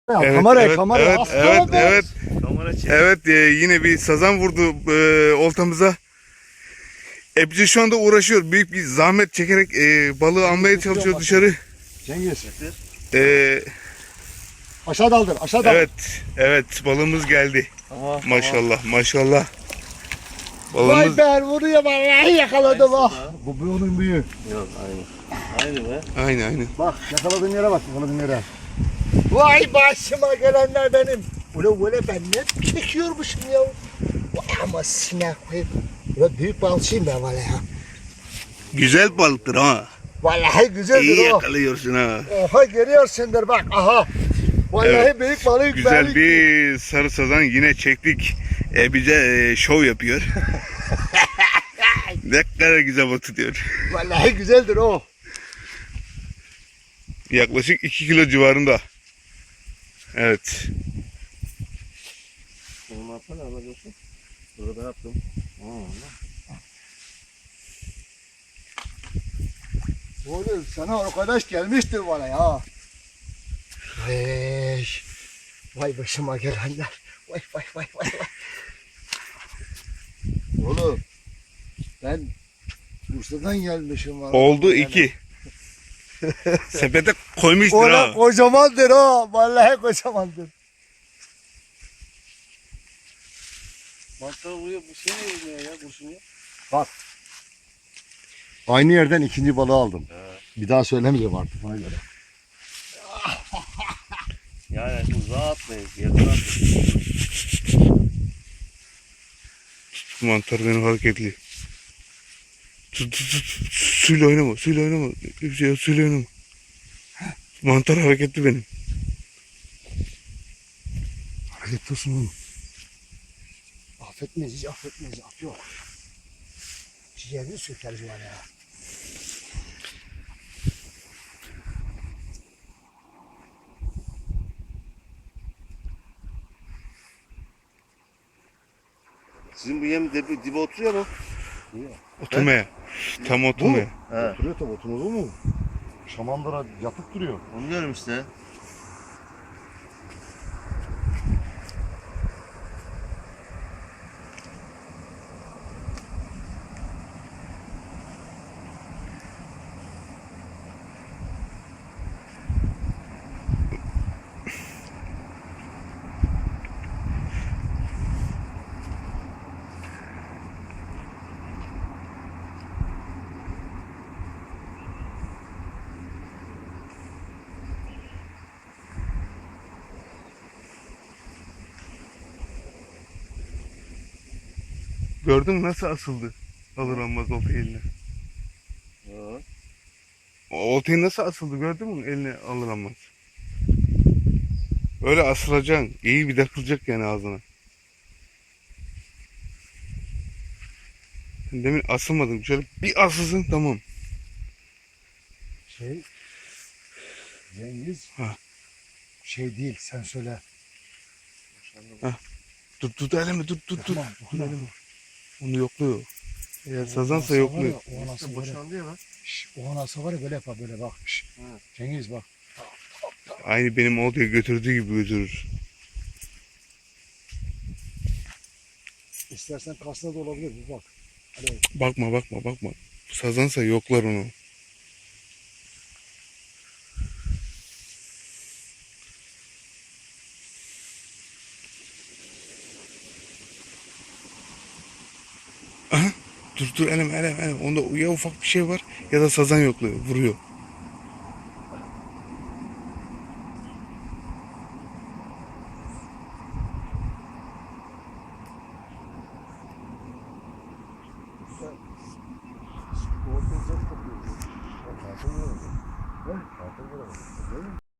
Evet, Kamera, evet, kamera. evet, Aslan evet, be. evet, Kamera çek. evet, yine bir sazan vurdu oltamıza. Bize şu anda uğraşıyor. Büyük bir zahmet çekerek balığı almaya çalışıyor dışarı. Cengiz. E, Aşağı daldır, aşağı daldır. evet, evet, balığımız geldi. Tamam. Maşallah, maşallah. Vay Balığımız be, vuruyor vallahi yakaladım ha. Bu onun büyüğü. Yok aynı. Aynı be. aynı aynı. Bak yakaladığın yere bak, yakaladığın yere. Vay başıma gelenler benim. Ule ben ne çekiyormuşum ya. Vay ama sinek koyayım. Ule büyük balçıyım ben vallahi ya. Güzel balıktır ha. Vallahi İyi güzeldir o. yakalıyorsun ha. Oha görüyorsundur bak aha. Vallahi Evet, büyük balık. Güzel bir sarı sazan yine çektik. Bize şov yapıyor. Ne kadar güzel balık tutuyor. Vallahi güzeldir o. Yaklaşık 2 kilo civarında. Evet. Onu yapsana alabiliyorsun. Burada yaptım. Oğlum sana arkadaş gelmiştir bana ya. Vay, vay başıma gelenler. Vay vay vay vay vay. Oğlum ben Bursa'dan gelmişim var. Oldu 2. Sepete koymuştur Ona ha. kocamandır o. Vallahi kocamandır. Mantar vuruyor. Bu şey ne vuruyor ya? Kurşun ya. Bak. Aynı yerden ikinci balığı aldım. Bir daha söylemeyeceğim artık ona göre. Yani uzağa atmayın. Yakın atmayın. Mantar benim hareketli. Tut. Suyla oynama, suyla oynama. Suyla oynama. Mantar hareketli benim. Hareket olsun oğlum. Affetmeyiz, hiç affetmeyiz. Af yok. Ciğerini sökeriz var ya. Sizin bu yem dibe oturuyor mu? Oturmaya. Tam oturmaya. He. Oturuyor tabi, oturmaz olur mu? Şamandıra yatıp duruyor. Onu diyorum işte. Gördün mü nasıl asıldı? Alır almaz olta eline. Ha. O oltayı nasıl asıldı gördün mü? Eline alır almaz. Öyle asılacaksın. İyi bir takılacak yani ağzına. Demin asılmadın. Şöyle bir asılsın tamam. Cengiz. Ha. Şey değil, sen söyle. Tut eleme tut. Tamam, tamam. Onu yokluyor. Eğer sazansa yokluyor. O anası var ya. Boşandı ya lan. O anası var ya böyle yapar böyle bak. Ha. Cengiz bak. Aynı benim oltayı götürdüğü gibi götürür. İstersen kasına da olabilir bir bak. Hadi. Bakma. Sazansa yoklar onu. Aha. Dur eleme. Onda ya ufak bir şey var ya da sazan yokluyor. Vuruyor. Ortaya zor kopuyor. Bak, altın var. He? Altın var. Değil mi?